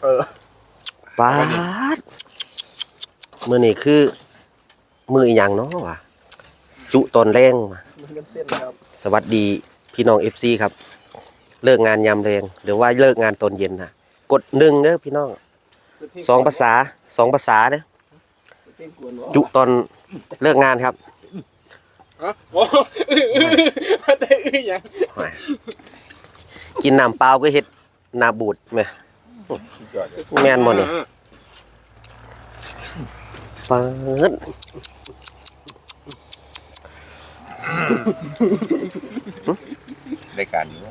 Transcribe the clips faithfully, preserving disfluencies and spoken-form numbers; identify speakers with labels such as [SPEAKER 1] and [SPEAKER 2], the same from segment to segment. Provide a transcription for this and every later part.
[SPEAKER 1] เออ
[SPEAKER 2] ปาดมือนี่คือมืออีหยังเนาะวะจุตอนแรงมาสวัสดีพี่น้องเอฟซีครับเลิกงานยามแรงหรือว่าเลิกงานตอนเย็นนะกดหนึ่งเด้อพี่น้องสองภาษาสองภาษาเด้อจุตอนเลิกงานครับ
[SPEAKER 1] โอ้มาแต่อื้อยัง
[SPEAKER 2] กินน้ำเปล่าก็เฮ็ดน้ำบูดแม่แม่นบ่นี่เปิด
[SPEAKER 3] รายการนี้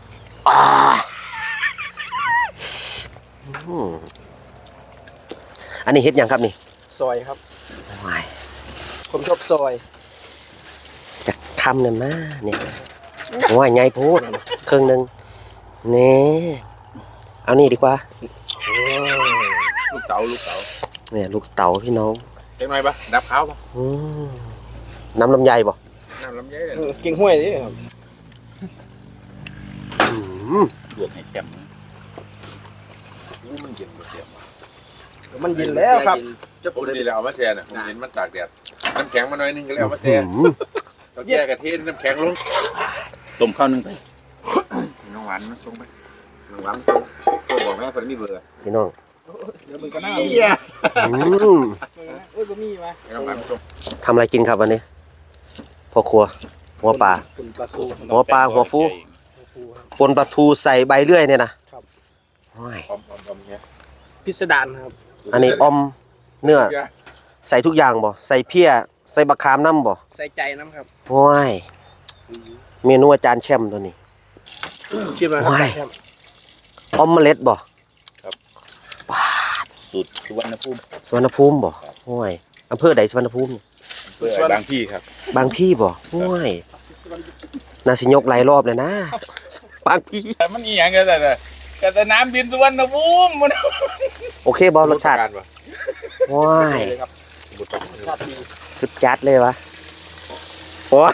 [SPEAKER 2] อันนี้เฮ็ดยังครับนี่
[SPEAKER 1] ซอยครับ
[SPEAKER 2] ว้าย
[SPEAKER 1] ผมชอบซอย
[SPEAKER 2] จะทำเนี่ยมาเนี่ยว้ายใหญ่โพดครึ่งนึงนี่เอานี่ดีกว่า
[SPEAKER 3] ลูกเต๋าลูกเต๋า
[SPEAKER 2] เนี่ยลูกเต๋าพี่น้อง
[SPEAKER 3] เก่งหน่อยปะดับข้าวปะ
[SPEAKER 2] น้ำลำไยบ่
[SPEAKER 3] น้ำลำไย
[SPEAKER 1] เก่งห้วยนี่ครับ
[SPEAKER 3] ลวกให้แข็งรู้มันเย็นกว่าเสียม
[SPEAKER 1] มันเย็นแล้วครับ
[SPEAKER 3] จะผมดีแล้วเอามาแช่น่ะผมเห็นมันตากแดดน้ำแข็งมาหน่อยนึงก็แล้วมาแช่เราแก้กะทิน้ำแข็งลงต้มข้าวนึงไปน้องหวานมาส่งไปน้องหวานส่งโทรบอกแม่คนมีเบอร์
[SPEAKER 2] พี่น้อง
[SPEAKER 1] เดี๋ยวมันก็น่า
[SPEAKER 3] เหี้ย
[SPEAKER 1] อืมโอ้ยก็มีมา
[SPEAKER 3] น้องหวานส่ง
[SPEAKER 2] ทำอะไรกินครับวันนี้พ่อครัวหัวปลาหัวปลาหัวฟูปนปลาทูใส่ใบเลื่อยเนี่ยนะครับ
[SPEAKER 1] พิสดารครับ
[SPEAKER 2] อันนี้อมเนื้อใส่ทุกอย่างบ่ใส่เพี้ยใส่บักขามน้ำบ่
[SPEAKER 1] ใส่ใจน้ำครับ
[SPEAKER 2] ว้ายเมนูอาจารย์แชมป์ตัวนี้
[SPEAKER 1] ชิมมาครับ
[SPEAKER 2] อมเมล็ดบ่
[SPEAKER 3] ครับสูตรสุวรรณภูมิ
[SPEAKER 2] สุวรรณภูมิบ่ว้ายอำเภอใดสุวรรณภูมิ
[SPEAKER 3] บางพี่ครับ
[SPEAKER 2] บางพี่บ่ว้ายน่าสิยกหลายรอบเลยนะบางพี่
[SPEAKER 3] มันอีหยังกันแต่แต่น้ำดินสุวรรณภูมิมัน
[SPEAKER 2] โอเคบ่รสชาติว้ายสุดจัดเลยวะโอ้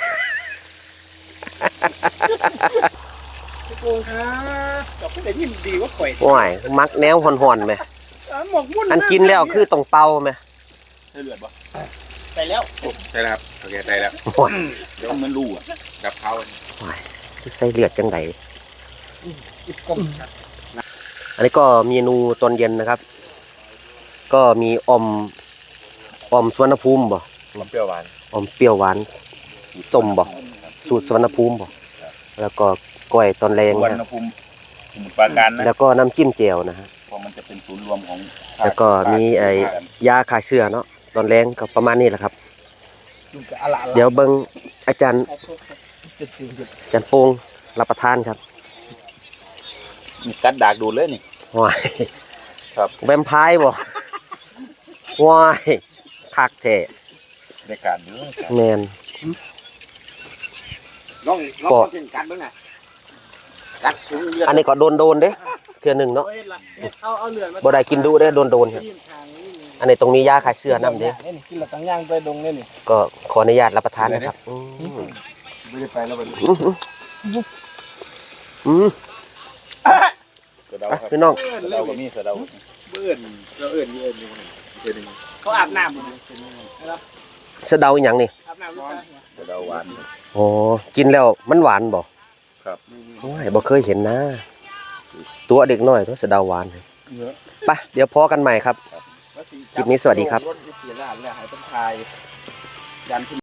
[SPEAKER 1] ทุกคนครับกับผู้ใดยินดีว่าข่อย
[SPEAKER 2] ว้ายมักแนวห่อนๆไหมอันกินแล้วคือต้องเป่าไหม
[SPEAKER 3] ใส่เลือดบ่
[SPEAKER 1] ใส่แล้ว
[SPEAKER 3] ใส่แล้วครับโอเคใส่แล้วเดี๋ยวมันรูอ่ะดับเขา
[SPEAKER 2] ว้ายคือใส่เลือดจังไดอันนี้ก็เมนูตอนเย็นนะครับก็มีอมอมสุวรรณภูมิบ่
[SPEAKER 3] อมเปรี้ยวหวาน
[SPEAKER 2] อมเปรี้ยวหวานส้มบ่สูตรสุวรรณภูมิบ่แล้วก็กล้วยตอนแรง
[SPEAKER 3] สุวรรณภูมิสมุทรปราการนะ
[SPEAKER 2] แล้วก็น้ำจิ้มแจ่วนะฮะ
[SPEAKER 3] เพราะมันจะเป็นศูนย์รวมของ
[SPEAKER 2] แล้วก็มีไอ้ยาคลายเสื้อเนาะตอนแรงก็ประมาณนี้แหละครับเดี๋ยวเบิ่งอาจารย์อาจารย์โป่งรับประทานครับ
[SPEAKER 3] กัดดากดูเลยนี่
[SPEAKER 2] ว้าย
[SPEAKER 3] ครับ
[SPEAKER 2] แวมไพร์บ่ว้ายคักแท้
[SPEAKER 3] ในการนี้
[SPEAKER 2] แมน
[SPEAKER 1] ลองลองกินกัดบ้างไงกัด
[SPEAKER 2] อันนี้ก็โดนโดนเด้เทื่อหนึ่งเนาะบ่ได้กินดูเด้โดนโดนครับอันนี้ตรงนี้ยาคลายเสื้อน้ำเด้
[SPEAKER 1] กินหลักย่างไปดงเนี่ยนี่
[SPEAKER 2] ก็ขออนุญาตรับประทานนะครับ
[SPEAKER 3] ไม่ได้ไปแล้วไป
[SPEAKER 2] อืมพี่น้อง
[SPEAKER 3] เราก็มีเราเบื่อเราเอื่นเอื่นเอื่น
[SPEAKER 1] เขาอาบน้
[SPEAKER 2] ำสะเดาอย่างนี่
[SPEAKER 1] อาบน้ำ
[SPEAKER 3] สะเดาหวาน
[SPEAKER 2] โอ้กินแล้วมันหวานบ่
[SPEAKER 3] ครับ
[SPEAKER 2] โอ้ยบ่เคยเห็นนะตัวเด็กน้อยตัวสะเดาหวานไปเดี๋ยวพอกันใหม่ครับคลิปนี้สวัสดีครับ